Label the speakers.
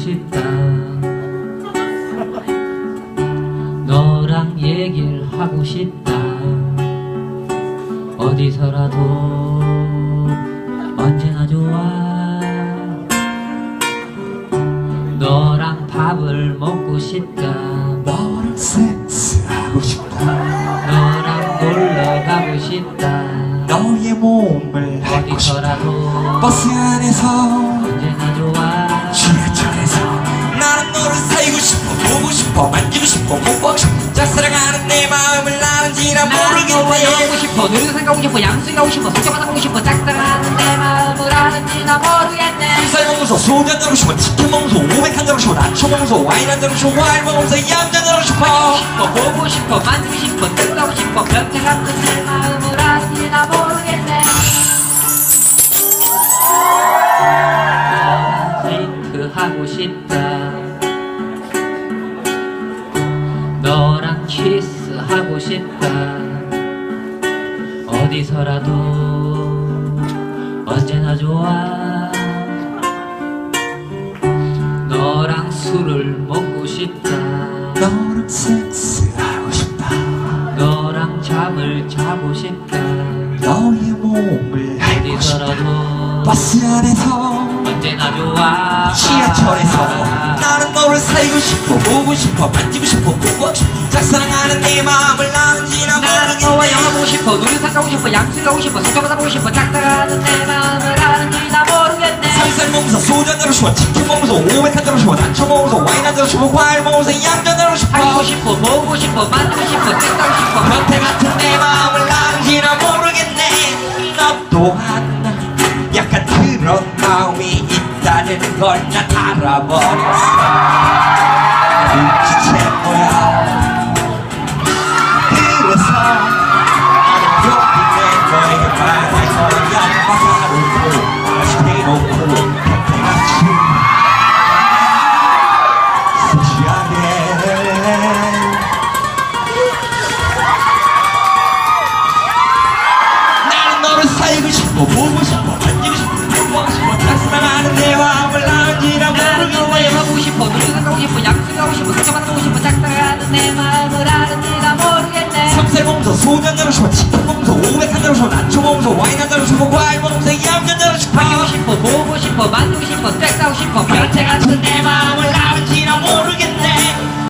Speaker 1: 싶다. 너랑 얘기를 하고 싶다. 어디서라도 언제나 좋아. 너랑 밥을 먹고 싶다.
Speaker 2: 너랑 섹스하고 싶다.
Speaker 1: 너랑 놀러 가고 싶다.
Speaker 2: 너의 몸을 밟고 싶다.
Speaker 1: 어디서라도
Speaker 2: 버스 안에서
Speaker 1: 언제나 좋아.
Speaker 2: 지하철에서 나는 너를 사귀고 싶어. 보고 싶어. 만지고 싶어. 뽀뽀하고 싶어. 짝사랑하는 내 마음을 나는지나 모르겠네.
Speaker 1: 너와 영하고 싶어. 놀이동산 가고 싶어. 양수기 가고 싶어. 속초바다 가고 싶어. 짝사랑하는 내 마음을 아는지 나 모르겠네.
Speaker 2: 쌀 먹으면서 소주 한잔 하고 싶어. 치킨 먹으면서 500 한잔 하고 싶어. 나초 먹으면서 와인 한잔 하고 싶어. 와인 먹으면서 얌전한 하고 싶어.
Speaker 1: 보고 싶어. 만지고 싶어. 뜯고 싶어. 변태 같은 내 마음을 아는지 나 모르겠네. 데이트하고 싶다. 너랑 키스하고 싶다. 어디서라도 언제나 좋아. 너랑 술을 먹고 싶다.
Speaker 2: 너랑 섹스하고 싶다.
Speaker 1: 너랑 잠을 자고 싶다.
Speaker 2: 너의 몸을 밟고 싶다.
Speaker 1: 어디서라도
Speaker 2: 버스 안에서
Speaker 1: 언제나 좋아.
Speaker 2: 지하철에서 나는 너를 사귀고 싶어. 보고 싶어. 만지고 싶어. 뽀뽀하고 싶어. 짝사랑하는 내 마음을 나는지나
Speaker 1: 나는 너와
Speaker 2: 모르겠네.
Speaker 1: 영화 보고 싶어. 놀이동산 가고 싶어. 양수기 가고 싶어. 속초바다 가고 싶어. 짝사랑하는 내 마음을 아는지 나 모르겠네.
Speaker 2: 쌀 먹으면서 소주 한잔 하고 싶어. 치킨 먹으면서 500 한잔 하고 싶어. 나초 먹으면서 와인 한잔 하고 싶어. 과일 먹으면서 얌전한 하고 싶어.
Speaker 1: 하고 싶어. 보고 싶어. 만지고 싶어. 뜯고 싶어.
Speaker 2: 변태 같은 내 마음을 나는지나 모르겠네. 너 또한 약간 그런 마음이 있다는 걸 난 알아버렸어. 도대체 뭐야. 그래서 나는 그렇게 너에게 말할 거야. 마사로고 맛있게 먹고 변태같이 섹시하게. 나는 너를 사귀고 싶어. 보고 싶어. 만지고 싶어. 뽀뽀하고 싶어. 짝사랑하는 내 마음을 나는지나
Speaker 1: 나는 너와
Speaker 2: 모르겠네.
Speaker 1: 영화 보고 싶어. 놀이동산 가고 싶어. 양수기 가고 싶어. 속초바다 가고 싶어. 짝사랑하는 내 마음을 아는지 나 모르겠네.
Speaker 2: 쌈쌀 먹으면서 소주 한잔 하고 싶어. 치킨 먹으면서 500 한잔 하고 싶어. 나초 먹으면서 와인 한잔 하고 싶어. 과일 먹으면서 얌전한 하고 싶어.
Speaker 1: 하고 싶어. 보고 싶어. 만지고 싶어. 뜯고